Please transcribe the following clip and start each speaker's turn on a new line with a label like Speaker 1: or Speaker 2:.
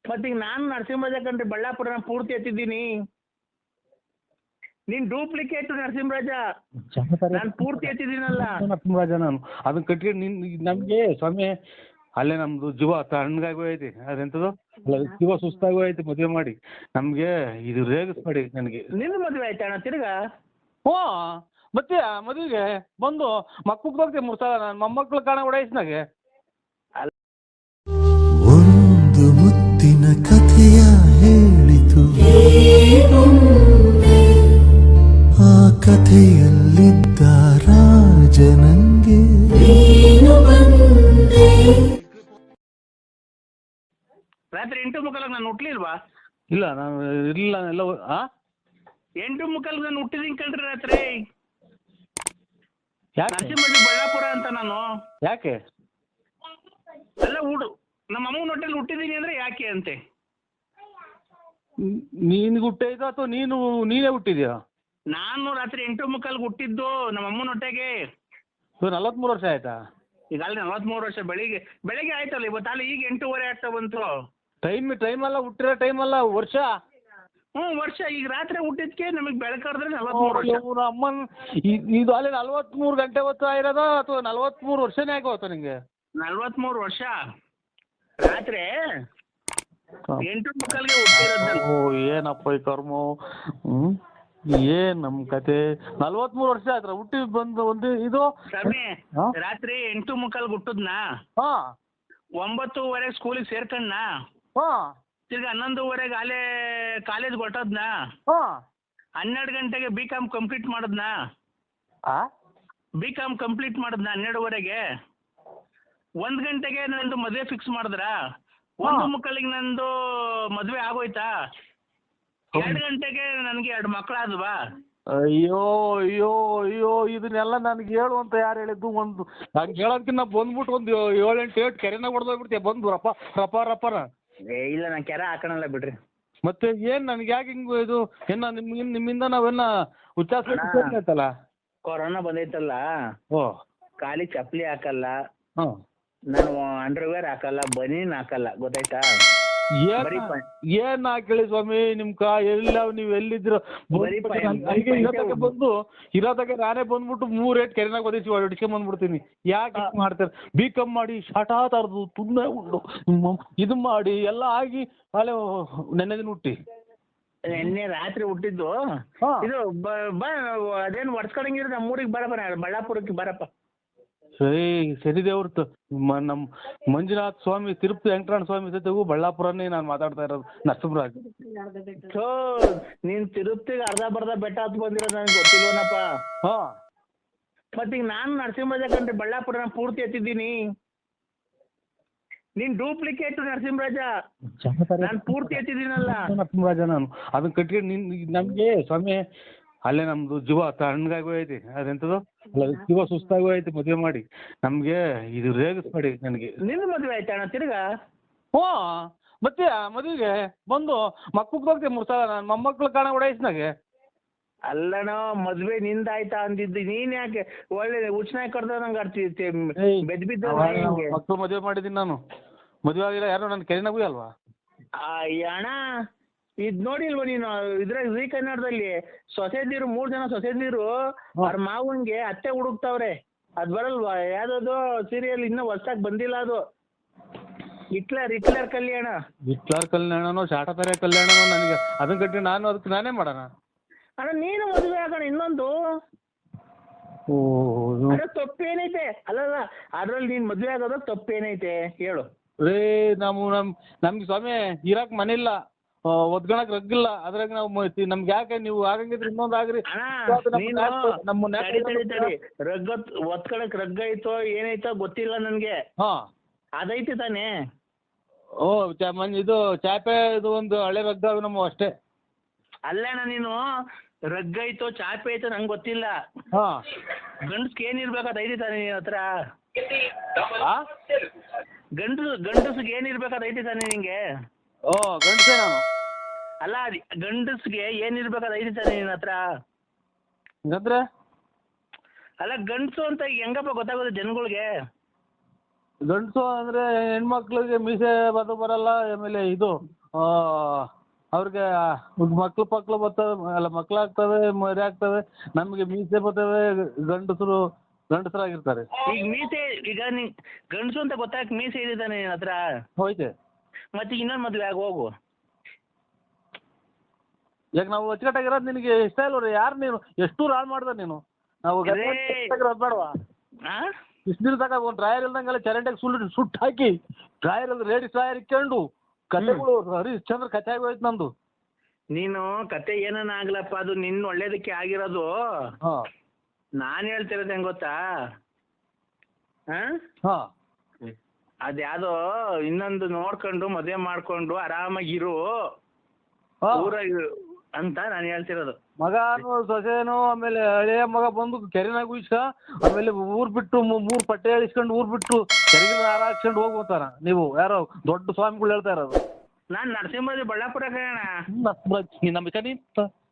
Speaker 1: ಮತ್ತೀಗ ನಾನು ನರಸಿಂಹರಾಜ ಕಣ್ರಿ, ಬಳ್ಳಾಪುರನ ಪೂರ್ತಿ ಎತ್ತಿದ್ದೀನಿ. ನೀನ್ ಡೂಪ್ಲಿಕೇಟ್ ನರಸಿಂಹರಾಜ, ನಾನು ಪೂರ್ತಿ ಎತ್ತಿದ್ದೀನಲ್ಲ
Speaker 2: ನರಸಿಂಹರಾಜ. ನಾನು ಅದನ್ನ ಕಟ್ಕೊಂಡು ನಮ್ಗೆ ಸ್ವಾಮಿ ಅಲ್ಲೇ ನಮ್ದು ಜೀವ ತಣ್ಣಗಾಗಿ ಹೋಯ್ತು. ಅದೆಂತದು ಜೀವ ಸುಸ್ತಾಗಿ ಹೋಯ್ತು ಮದುವೆ ಮಾಡಿ. ನಮ್ಗೆ ಇದು ರೇಗಿಸ್ಬೇಡಿ ನನಗೆ.
Speaker 1: ನಿನ್ನ ಮದುವೆ ಆಯ್ತಾ ಅಣ್ಣ ತಿರ್ಗಾ?
Speaker 2: ಹ್ಞೂ ಮತ್ತೆ ಮದುವೆಗೆ ಬಂದು ಮಕ್ಕಳು ಹೋಗ್ತೇವೆ 3 ಸಲ. ನಾನು ಮೊಮ್ಮಕ್ಕಳು ಕಾಣ ಓಡಾಯಿಸ್ನಾಗೆ.
Speaker 3: ಒಂದು ಮುತ್ತಿನ ಕಥೆಯ ಹೇಳಿತು, ಆ ಕಥೆಯಲ್ಲಿದ್ದ ರಾಜನಂಗೆ.
Speaker 1: ರಾತ್ರಿ 8:15 ನಾನು ಹುಟ್ಲಿಲ್ವಾ?
Speaker 2: ಇಲ್ಲ ನಾನು ಇಲ್ಲ ಎಲ್ಲ
Speaker 1: 8:15 ನಾನು ಹುಟ್ಟಿದೀನಿ ಕಣ್ರಿ ರಾತ್ರಿ.
Speaker 2: ಯಾಕೆ
Speaker 1: ನರಸಿಂಹರಾಜ ಬಳ್ಳಾಪುರ ಅಂತ ನಾನು.
Speaker 2: ಯಾಕೆ
Speaker 1: ಎಲ್ಲ ನಮ್ಮ ಅಮ್ಮನ ಹೊಟ್ಟೆಲಿ ಹುಟ್ಟಿದೀನಿ ಅಂದ್ರೆ ಯಾಕೆ ಅಂತೆ.
Speaker 2: ನೀನು ಹುಟ್ಟಿದ ಅಥವಾ ನೀನೇ ಹುಟ್ಟಿದ್ಯಾ?
Speaker 1: ನಾನು ರಾತ್ರಿ 8:15 ಹುಟ್ಟಿದ್ದು ನಮ್ಮ ಅಮ್ಮನ ಹೊಟ್ಟೆಗೆ.
Speaker 2: 43 ವರ್ಷ ಆಯ್ತಾ?
Speaker 1: ಈಗ ಅಲ್ಲಿ 43 ವರ್ಷ. ಬೆಳಿಗ್ಗೆ ಆಯ್ತಲ್ಲ ಇವತ್ತು, ಈಗ 8:15 ಆಗ್ತಾ ಬಂತು.
Speaker 2: ಟೈಮ್ ಅಲ್ಲ, ಹುಟ್ಟಿರೋ ಟೈಮ್ ಅಲ್ಲ, ವರ್ಷ.
Speaker 1: ವರ್ಷ. ಈಗ ರಾತ್ರಿ ಹುಟ್ಟಿದ್ಕೆ ನಮಗೆ ಬೆಳಕಾದ್ರೆ 43 ವರ್ಷ.
Speaker 2: ಅಮ್ಮನ್ ಇದು ಅಲ್ಲಿ 43 ಗಂಟೆ ಹೊತ್ತು ಆಗಿರೋದ ಅಥವಾ 43 ವರ್ಷನೇ ಆಗೋತ ನಿಂಗೆ?
Speaker 1: 43 ವರ್ಷ. ರಾತ್ರಿ 8:15ಗೆ ಹುಟ್ಟಿರೋದು.
Speaker 2: ಓ ಏನಪ್ಪ ಈ ಕರ್ಮ. ಏನ್ ನಮ್ ಕತೆ. 43 ವರ್ಷ ಆಯ್ತು ಹುಟ್ಟಿ ಬಂದು ಒಂದು ಇದು
Speaker 1: ಸ್ವಾಮಿ. ರಾತ್ರಿ 8:15 ಹುಟ್ಟದ್ನಾ, 9:00 ಸ್ಕೂಲಿಗೆ ಸೇರ್ಕಣ್ಣ, ತಿರ್ಗಿ 11:00 ಅಲ್ಲೇ ಕಾಲೇಜ್ ಹೊಟ್ಟದ್ನಾ, 12 ಗಂಟೆಗೆ B.Com ಕಂಪ್ಲೀಟ್ ಮಾಡದ್ನಾ, B.Com ಕಂಪ್ಲೀಟ್ ಮಾಡದ್ನಾ 12:30ಗೆ. 1 ಗಂಟೆಗೆ ನಂದು ಮದುವೆ ಫಿಕ್ಸ್ ಮಾಡಿದ್ರ. 1:15 ನಂದು ಮದುವೆ ಆಗೋಯ್ತಾ. 2 ಗಂಟೆಗೆ ನನಗೆ 2 ಮಕ್ಕಳಾದ್ವಾ.
Speaker 2: ಅಯ್ಯೋ ಅಯ್ಯೋ ಅಯ್ಯೋ ಇದನ್ನೆಲ್ಲ ನನಗೆ ಹೇಳು ಅಂತ ಯಾರು ಹೇಳಿದ್ದು? ಒಂದು ನಂಗೆ ಹೇಳೋದಕ್ಕಿಂತ ಬಂದ್ಬಿಟ್ಟು ಒಂದು 7-8 ಕೆರೆನಾಗ ಹೊಡೆದೋಗ್ಬಿಡ್ತೀಯ ಬಂದು ರಪ್ಪರ.
Speaker 1: ಇಲ್ಲ ನಾನು ಕೆರೆ ಹಾಕೋಣಲ್ಲ ಬಿಡ್ರಿ.
Speaker 2: ಮತ್ತೆ ಏನ್ ನನಗೆ ಯಾಕೆ ಹಿಂಗು ಇದು ನಿಮ್ಮಿಂದ ನಾವೆಲ್ಲ ಉಚ್ಚಾರಿಸಲ್ಲ.
Speaker 1: ಕೊರೋನಾ ಬಂದೈತಲ್ಲ, ಕಾಲಿ ಚಪ್ಪಲಿ ಹಾಕಲ್ಲ, ನಾನು ಅಂಡರ್ವೇರ್ ಹಾಕಲ್ಲ, ಬನೀನ್ ಹಾಕಲ್ಲ, ಗೊತ್ತಾಯ್ತಾ?
Speaker 2: ಏನ್ ಹಾಕೇಳಿ ಸ್ವಾಮಿ ನಿಮ್ಕ ಎಲ್ಲ ನೀವು ಎಲ್ಲಿದ್ರು ಬಂದು ಇರೋದಾಗ ನಾನೇ ಬಂದ್ಬಿಟ್ಟು 3 ಕೆರೆನಾಗ ಒದಿಸಿ ಹೊಡಿಸ್ಕೊಂಡ್ ಬಂದ್ಬಿಡ್ತೀನಿ. ಯಾಕೆ ಮಾಡ್ತಾರೆ? B.Com ಮಾಡಿ ಶಾಟಾ ತರದು ತುಂಬಾ ಉಂಡು ಇದು ಮಾಡಿ ಎಲ್ಲ ಆಗಿ ಅಲ್ಲೇ ನೆನ್ನೆ ದಿನ ಹುಟ್ಟಿ
Speaker 1: ನಿನ್ನೆ ರಾತ್ರಿ ಹುಟ್ಟಿದ್ದು. ಇದು ಅದೇನು ಒಡ್ಸ್ಕೊಳಂಗಿದ್ರೆ ನಮ್ಮೂರಿಗೆ ಬರಪ್ಪ, ಬಳ್ಳಾಪುರಕ್ಕೆ ಬರಪ್ಪ.
Speaker 2: ಸರಿ ದೇವ್ರತ್ತು ನಮ್ಮ ಮಂಜುನಾಥ ಸ್ವಾಮಿ, ತಿರುಪತಿ ವೆಂಕಟರಮಣ ಸ್ವಾಮಿ ಜೊತೆಗೂ ಬಳ್ಳಾಪುರನೇ ನಾನು ಮಾತಾಡ್ತಾ ಇರೋದು. ನರಸಿಂಹರಾಜ್
Speaker 1: ನೀನ್ ತಿರುಪತಿಗೆ ಅರ್ಧ ಬೆಟ್ಟ ಹತ್ತು ಬಂದಿರೋದು ನನಗೆ ಗೊತ್ತಿಲ್ವನಪ್ಪ. ಮತ್ತೀಗ ನಾನು ನರಸಿಂಹರಾಜ ಕಣ್ರಿ, ಬಳ್ಳಾಪುರನ ಪೂರ್ತಿ ಎತ್ತಿದ್ದೀನಿ. ನೀನ್ ಡೂಪ್ಲಿಕೇಟ್ ನರಸಿಂಹರಾಜ, ನಾನು ಪೂರ್ತಿ ಎತ್ತಿದ್ದೀನಲ್ಲ
Speaker 2: ನರಸಿಂಹರಾಜ. ನಾನು ಅದನ್ನ ಕಟ್ಕೊಂಡು ನಮ್ಗೆ ಸ್ವಾಮಿ ಅಲ್ಲೇ ನಮ್ದು ಜೀವ ತಣ್ಣಗಾಗಿ ಹೋಯ್ತು. ಅದೆಂತದು ಜೀವ ಸುಸ್ತಾಗಿ ಹೋಯ್ತು ಮದುವೆ ಮಾಡಿ. ನಮ್ಗೆ ಇದು ರೇಗಿಸ್ಬೇಡಿ ನನಗೆ.
Speaker 1: ನಿನ್ನ ಮದುವೆ ಆಯ್ತಾ ಅಣ್ಣ ತಿರ್ಗಾ?
Speaker 2: ಮತ್ತೆ ಮದುವೆಗೆ ಬಂದು ಮಕ್ಕಳು ಹೋಗ್ತೇವೆ 3 ಸಲ. ನಾನು ಮೊಮ್ಮಕ್ಕಳು ಕಾಣ ಓಡಾಯಿಸ್ನಾಗೆ.
Speaker 1: ಅಲ್ಲಣ್ಣ ಮದ್ವೆ ನಿಂದಾಯ್ತಾ ಅಂದಿದ್ದು, ನೀನ್ ಯಾಕೆ ಒಳ್ಳೆ ಉಚ್ಚನಾಗಿ ಕಡ್ದ ನಂಗೆ ಆಡ್ತಿ ಬೆದ್ ಬಿದ್ದ.
Speaker 2: ಮಕ್ಕಳು ಮದುವೆ ಮಾಡಿದ್ದೀನಿ ನಾನು. ಮದುವೆ ಆಗಿಲ್ಲ ಯಾರು ನನ್ನ ಕೆರೆನಾಗೂ ಅಲ್ವಾ?
Speaker 1: ಅಣ್ಣ ಇದ್ ನೋಡಿಲ್ವ ನೀನು? ಇದ್ರಾಗ ಜೀ ಕನ್ನಡದಲ್ಲಿ ಸೊಸೆದಿರು 3 ಜನ ಸೊಸೆದಿರು ಅವ್ರ ಮಾವನ್ಗೆ ಅತ್ತೆ ಹುಡುಕ್ತಾವ್ರೆ. ಅದ್ ಬರಲ್ವಾ? ಯಾವ್ದದು ಸೀರಿಯಲ್ ಇನ್ನೂ ಹೊಸ್ದಾಗಿ ಬಂದಿಲ್ಲ ಅದು. ಹಿಟ್ಲರ್ ಕಲ್ಯಾಣನೋ ಶಾಟಪೆರೆ ಕಲ್ಯಾಣನೋ ನನಗೆ ಅದನ್ನ ಕಟ್ಟಿ ನಾನು ಅದಕ್ಕೆ ನಾನೇ ಮಾಡೋಣ. ಅಣ್ಣ ನೀನು ಮದುವೆ ಆಗೋಣ ಇನ್ನೊಂದು. ತಪ್ಪೇನೈತೆ? ಅಲ್ಲಲ್ಲ ಅದ್ರಲ್ಲಿ ನೀನ್ ಮದುವೆ ಆಗೋದ ತಪ್ಪೇನೈತೆ ಹೇಳು?
Speaker 2: ನಮ್ಗೆ ಸ್ವಾಮಿ ಇರಾಕ್ ಮನೆ ಇಲ್ಲ, ಒದ್ಕೊಳಕ್ ರಗ್ಗಿಲ್ಲ. ಅದ್ರಾಗ ನಾವು ನಮ್ಗೆ ಯಾಕೆ ನೀವು ಆಗಂಗಿದ್ರೆ ಇನ್ನೊಂದು ಆಗ್ರಿ.
Speaker 1: ಒತ್ಕೊಳಕ್ ರಗ್ಗ ಐತೋ ಏನೈತೋ ಗೊತ್ತಿಲ್ಲ ನನ್ಗೆ. ಅದೈತಿ ತಾನೇ?
Speaker 2: ಇದು ಚಾಪೆ ಇದು ಒಂದು ಹಳೆ ರಗ್ಗ ನಮ್ಮ ಅಷ್ಟೇ.
Speaker 1: ಅಲ್ಲಣ್ಣ ನೀನು ರಗ್ಗ ಐತೋ ಚಾಪೆ ಐತೋ ನಂಗೆ ಗೊತ್ತಿಲ್ಲ. ಗಂಡಸ್ಗೆ ಏನಿರ್ಬೇಕಾದ ಐತಿ ತಾನೆ ನಿನ್ನ ಹತ್ರ? ಗಂಡಸ್ಗೆ ಏನಿರ್ಬೇಕಾದ ಐತಿ ತಾನೆ ನಿಂಗೆ?
Speaker 2: ಗಂಡಸೇ ನಾನು.
Speaker 1: ಅಲ್ಲ ಗಂಡಸ್ಗೆ ಏನಿರ್ಬೇಕಾದ ಐತಿ ತಾನೆ ನಿನ್ನ ಹತ್ರ?
Speaker 2: ಹಂಗಂದ್ರೆ
Speaker 1: ಅಲ್ಲ ಗಂಡಸು ಅಂತ ಹೆಂಗಪ್ಪ ಗೊತ್ತಾಗೋದು ಜನಗಳಿಗೆ?
Speaker 2: ಗಂಡಸು ಅಂದ್ರೆ ಹೆಣ್ಮಕ್ಳಿಗೆ ಮೀಸೆ ಬರಲ್ಲ, ಆಮೇಲೆ ಇದು ಅವ್ರಿಗೆ ಮಕ್ಳು ಬರ್ತವೆ, ಅಲ್ಲ ಮಕ್ಳಾಗ್ತವೆ, ಮರಿ ಆಗ್ತವೆ, ನಮಗೆ ಮೀಸೆ ಬರ್ತವೆ, ಗಂಡಸರಾಗಿರ್ತಾರೆ.
Speaker 1: ಈಗ ಮೀಸೆ, ಈಗ ನೀ ಗಂಡಸು ಅಂತ ಗೊತ್ತಾಗ ಮೀಸೆ ಇದೆ ನಿನ್ನ ಹತ್ರ,
Speaker 2: ಹೋಯ್ತೆ.
Speaker 1: ಮತ್ತೆ ಇನ್ನೊಂದು ಮದುವೆ ಆಗಿ ಹೋಗು.
Speaker 2: ಈಗ ನಾವು ಅಚ್ಚುಕಟ್ಟಾಗಿರೋದು ನಿನಗೆ ಇಷ್ಟ ಇಲ್ವ? ಯಾರು ನೀನು ಎಷ್ಟು ಹಾಳು ಮಾಡ್ದ ನೀನು? ನಾವು ಬೇಡವಾ? ಇಷ್ಟು ದಿನ ತಗ ಒಂದು ಡ್ರಾಯರ್ ಇಲ್ದಂಗೆಲ್ಲ ಚರಂಡಿಗೆ ಸುಟ್ಟು ಹಾಕಿ ಡ್ರಾಯರ್ ಅಲ್ಲಿ ಲೇಡೀಸ್ ಡ್ರಾಯರ್ ಇಕ್ಕೊಂಡು ಕತೆಗಳು ಹರಿಶ್ಚಂದ್ರ ಕತೆ ಆಗೋಯ್ತು ನಮ್ದು.
Speaker 1: ನೀನು ಕತೆ ಏನನ್ನ ಆಗ್ಲಪ್ಪ, ಅದು ನಿನ್ನ ಒಳ್ಳೇದಕ್ಕೆ ಆಗಿರೋದು.
Speaker 2: ಹಾಂ,
Speaker 1: ನಾನು ಹೇಳ್ತಿರೋದು ಹೆಂಗ್ ಗೊತ್ತಾ?
Speaker 2: ಹಾಂ,
Speaker 1: ಅದ್ಯಾವುದೋ ಇನ್ನೊಂದು ನೋಡ್ಕೊಂಡು ಮದುವೆ ಮಾಡ್ಕೊಂಡು ಆರಾಮಾಗಿರು ಊರಾಗ ಅಂತ ನಾನು ಹೇಳ್ತಿರೋದು.
Speaker 2: ಮಗನು ಸೊಸೆನೋ ಆಮೇಲೆ ಹಳೆಯ ಮಗ ಬಂದು ಕೆರೆನಾಗ ಉಯಿಸ್ಕ, ಆಮೇಲೆ ಊರ್ ಬಿಟ್ಟು 3 ಪಟ್ಟೆ ಇಳಿಸ್ಕೊಂಡು ಊರ್ ಬಿಟ್ಟು ಕೆರೆಗಿನ ಹಾರ ಹಾಕ್ಸ್ಕೊಂಡು ಹೋಗ್ಬೋತಾರ. ನೀವು ಯಾರೋ ದೊಡ್ಡ ಸ್ವಾಮಿಗಳು ಹೇಳ್ತಾ ಇರೋದು.
Speaker 1: ನಾನು ನರಸಿಂಹರಾಜ ಬಳ್ಳಾಪುರ ಕಣ.
Speaker 2: ನಮ್ಮ